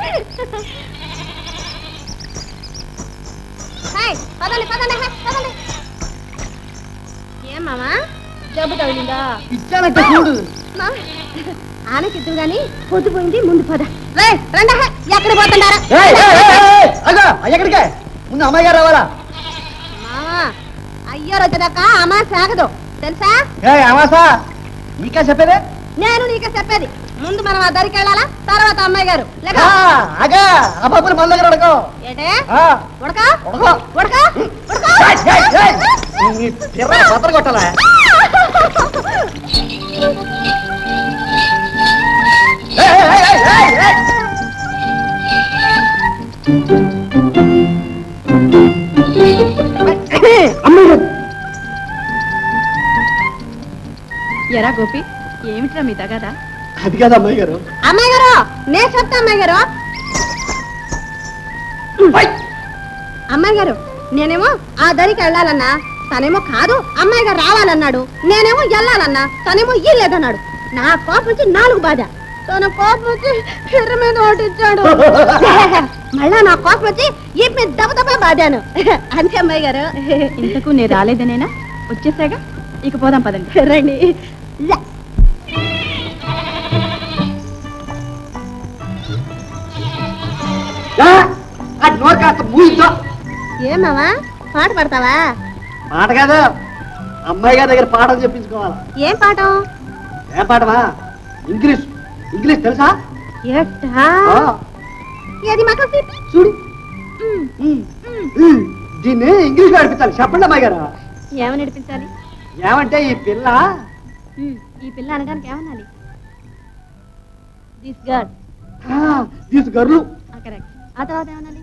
పదండి పదండి పదండి. ఏం మామా జబ్బు తగిలిందా? ఇచ్చానంటే చూడు. ఆనకిద్దు గాని పొద్దుపోయింది, ముందు పద. రండి, ఎక్కడ పోతున్నారా? ఎక్కడికే? ముందు అమ్మాయి గారు రావాలా? మామా అయ్యారు వచ్చేదాకా అమ్మా సాగదు తెలుసా? అమాసా నీకా చెప్పేదే? నేను నీకే చెప్పేది. ముందు మనం ఆ దరికి వెళ్ళాలా, తర్వాత అమ్మాయి గారు. అబ్బాయి మన దగ్గర అడగో. ఏంటే ఉడక ఉడక పత్ర కొట్టాలా? ఎరా గోపి, ఏమిట్రా మీ తగదా? అది కాదు అమ్మాయి గారు. అమ్మాయి గారు నేను చెప్తా. అమ్మాయి గారు అమ్మాయి గారు నేనేమో ఆ దరికి వెళ్ళాలన్నా, తనేమో కాదు అమ్మాయి గారు రావాలన్నాడు. నేనేమో వెళ్ళాలన్నా, తనేమో ఇల్లేదన్నాడు. నా కోపం వచ్చి 4 బాధ, తన కోపం వచ్చి ఎర్ర మీద ఓటిచ్చాడు. మళ్ళా నా కోపం వచ్చి ఈ మీద దెబ్బ బాధాను. అంతే అమ్మాయి గారు. ఇంతకు నేను రాలేదనేనా? వచ్చేసాగా, ఇక పోదాం పదండి. రండి. ఏమావా పాట పడతావా? పాట కాదు, అమ్మాయి గారి దగ్గర పాఠం చెప్పించుకోవాలి. ఏం పాఠం? ఏం పాఠమా? ఇంగ్లీష్. ఇంగ్లీష్ తెలుసా? ఏది మాకు చూడు. దీన్ని ఇంగ్లీష్ లో నడిపించాలి. చెప్పండి అమ్మాయి గారు. ఏమని నడిపించాలి? ఏమంటే ఈ పిల్ల అనడానికి ఏమనాలి? This girl. This girl. Correct. ఆ తర్వాత ఏమనాలి?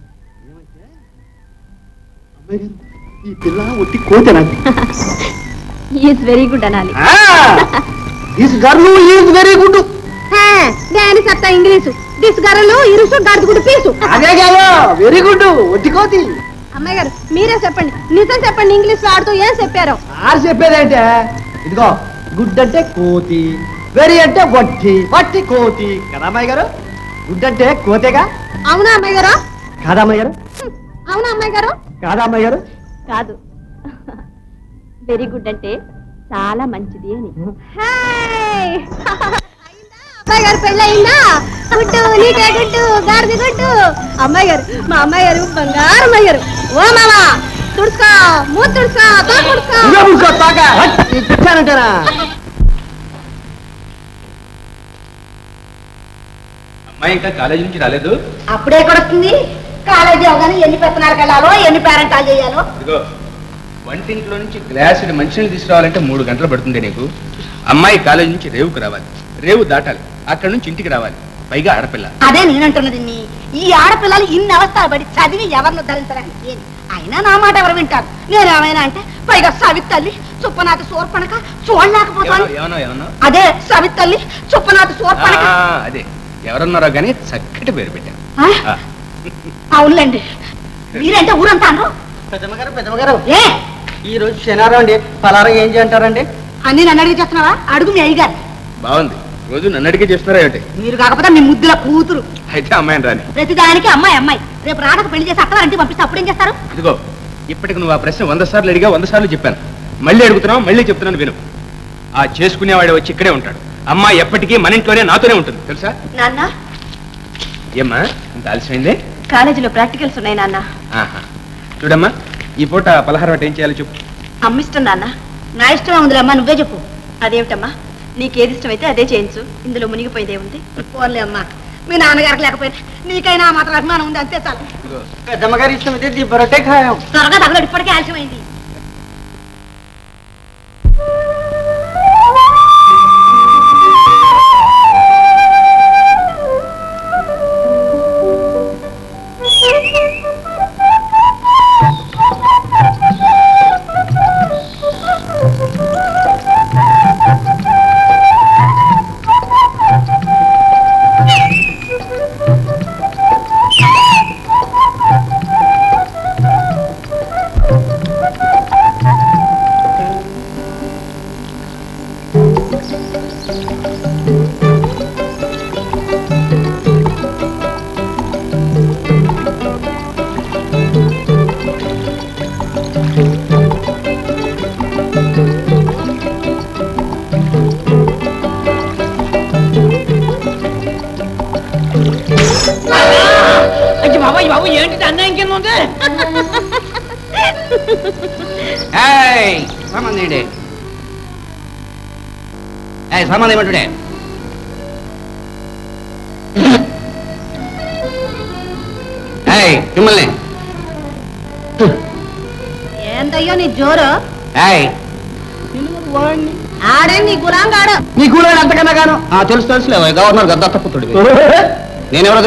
అమ్మాయి గారు, ఈ పిల్ల ఒట్టి కోతేనా? ఈజ్ వెరీ గుడ్ అనాలి. This girl is very good. నేను చెప్తా ఇంగ్లీషు. దిస్ గర్ల్ ఇరుసు గడుగుడు పీసు. అదే కాదు, వెరీ గుడ్ ఒట్టి కోతి. అమ్మాయి గారు మీరే చెప్పండి, నిజం చెప్పండి. ఇంగ్లీష్ ఆడుతూ ఏం చెప్పారో? ఆరు చెప్పేదంటే ఇదిగో, గుడ్ అంటే కోతి, వెరీ అంటే వట్టి, వట్టి కోతి కదా అమ్మాయి గారు? గుడ్ అంటే కోతేగా? అవునా అమ్మాయి గారు? కాదా అమ్మాయి గారు? అవునా అమ్మాయి గారు? కాదా అమ్మాయి గారు? కాదు, వెరీ గుడ్ అంటే చాలా మంచిది అని. అమ్మాయి గారు పెళ్ళి అయిందా? గుడ్డు నీకే గుడ్డు, గాడిది గుడ్డు. అమ్మాయి గారు, మా అమ్మాయి గారు బంగారు అమ్మాయి గారు. ఓ మామా తుడుచుకో, మూత తుడుచుకో, తోట తుడుచుకో. అమ్మాయి ఇంకా కాలేజీ నుంచి రాలేదు. అప్పుడే కొడుతుంది. కాలేజీ అవగానే ఎన్ని పెత్తనాలకు వెళ్ళాలో, ఎన్ని పేరెంటాలు చేయాలో. ఇదిగో, వంటింట్లో నుంచి గ్లాసుడు మంచినీళ్ళు తీసుకురావాలంటే 3 గంటలు పడుతుంది నీకు. అమ్మాయి కాలేజీ నుంచి రేవుకు రావాలి, రేవు దాటాలి, అక్కడ నుంచి ఇంటికి రావాలి, పైగా ఆడపిల్ల. అదే నేనంటున్నది. ఈ ఆడపిల్లలు ఇన్ని అవస్థలు పడి చదివి ఎవరిని ధరించడానికి? అయినా నా మాట ఎవరు వింటారు? నేనేమైనా అంటే పైగా సవితల్లి చుప్పనాథి సోర్పణక చూడలేకపోతాను. అదే సవితల్లి చుప్పనాథి సోర్పణక. అదే ఎవరన్నారో గానీ చక్కటి పేరు పెట్టాను. అవునులేండి, మీరంటే ఊరంతా అనరు. పెద్దమ్మగారు ఏ ఈ రోజు శనివారం అండి, పలారం ఏం చేయంటారండి? అన్ని నన్ను అడిగి చేస్తున్నావా? అడుగు మీ అయ్యగారు. బాగుంది, రోజు నన్ను అడిగే చేస్తున్నారా ఏంటి? మీరు కాకపోతే మీ ముద్దుల కూతురు. అయితే అమ్మాయిని రాని. ప్రతిదానికి అమ్మాయి అమ్మాయి. రేపు రాడకు పెళ్లి చేసి అక్కడ అంటే పంపిస్తే అప్పుడేం చేస్తారు? ఇదిగో, ఇప్పటికి నువ్వు ఆ ప్రశ్న 100 సార్లు అడిగా, 100 సార్లు చెప్పాను. మళ్ళీ అడుగుతున్నావు, మళ్ళీ చెప్తున్నాను విను. ఆ చేసుకునేవాడు వచ్చి ఇక్కడే ఉంటాడు. అమ్మాయి ఎప్పటికీ మన ఇంట్లోనే నాతోనే ఉంటుంది, తెలుసా? నాన్న, ఏమ్మా ఇంత ఆలస్యమైందే? కాలేజీలో ప్రాక్టికల్స్ ఉన్నాయి నాన్న. చూడమ్మా, ఈ పూట పలహారం అంటే ఏం చేయాలో చెప్పు. అమ్మిష్టం నాన్న. నా ఇష్టమే ఉందిలే అమ్మా, నువ్వే చెప్పు. అదేమిటమ్మా, నీకేది ఇష్టమైతే అదే చేయించు, ఇందులో మునిగిపోయేదే ఉంది. పోన్లే అమ్మా, మీ నాన్నగారికి లేకపోయినా నీకైనా మాత్రం అభిమానం ఉంది, అంతే చాలు. పెద్దమ్మగారి ఇష్టం అయితే బరొటే ఖాయం. త్వరగా తగలడు, ఇప్పటికే ఆలస్యమైంది. బాబాయ్ బాబు ఏంటి అన్యాయం కింద ఉంది సామాన్ ఏంటి సామాన్ ఏమంటుడే మిమ్మల్ని ఏందయ్యో నీ జోరు వాడిని ఆడే నీ గులాంగాడు నీ కూడా అంతకన్నా గాను తెలుసు తెలుసులే గవర్నర్ గద్దత్త పుత్రుడివి నేనెవరో